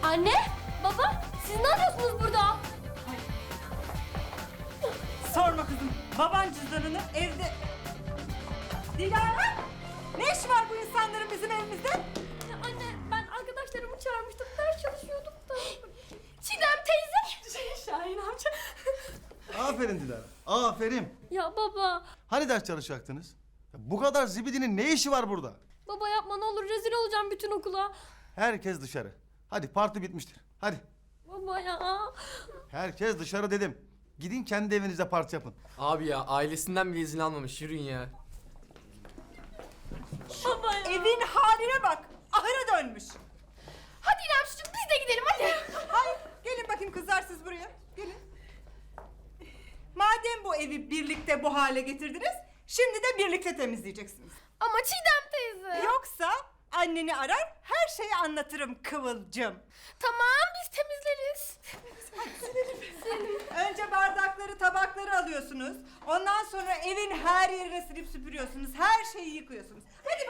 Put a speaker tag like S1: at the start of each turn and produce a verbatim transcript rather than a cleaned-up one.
S1: Anne, baba, siz ne yapıyorsunuz burada?
S2: Sorma kızım. Baban cüzdanını evde... Dilara! Ne işi var bu insanların bizim evimizde?
S1: Ya anne, ben arkadaşlarımı çağırmıştım, ders çalışıyordum da. Çiğdem teyze. Şey, Şahin amca.
S3: Aferin Dilara, aferin.
S1: Ya baba,
S3: Hani ders çalışacaktınız? Ya bu kadar zibidinin ne işi var burada?
S1: baba yapma ne olur, rezil olacağım bütün okula.
S3: Herkes dışarı. Hadi parti bitmiştir. Hadi.
S1: Baba ya.
S3: Herkes dışarı dedim. Gidin kendi evinizde parti yapın.
S4: Abi ya ailesinden bile izin almamış. Yürüyün ya.
S1: Baba ya.
S2: Evin haline bak. Ahıra dönmüş.
S1: Hadi İrem çocuğum, biz de gidelim hadi.
S2: Hayır. Gelin bakayım kızlar siz buraya. Gelin. Madem bu evi birlikte bu hale getirdiniz, şimdi de birlikte temizleyeceksiniz.
S1: Ama Çiğdem teyze.
S2: Yoksa anneni arar, her şeyi anlatırım Kıvılcım.
S1: Tamam, biz temizleriz.
S2: Önce bardakları, tabakları alıyorsunuz. Ondan sonra evin her yerine silip süpürüyorsunuz. Her şeyi yıkıyorsunuz. Hadi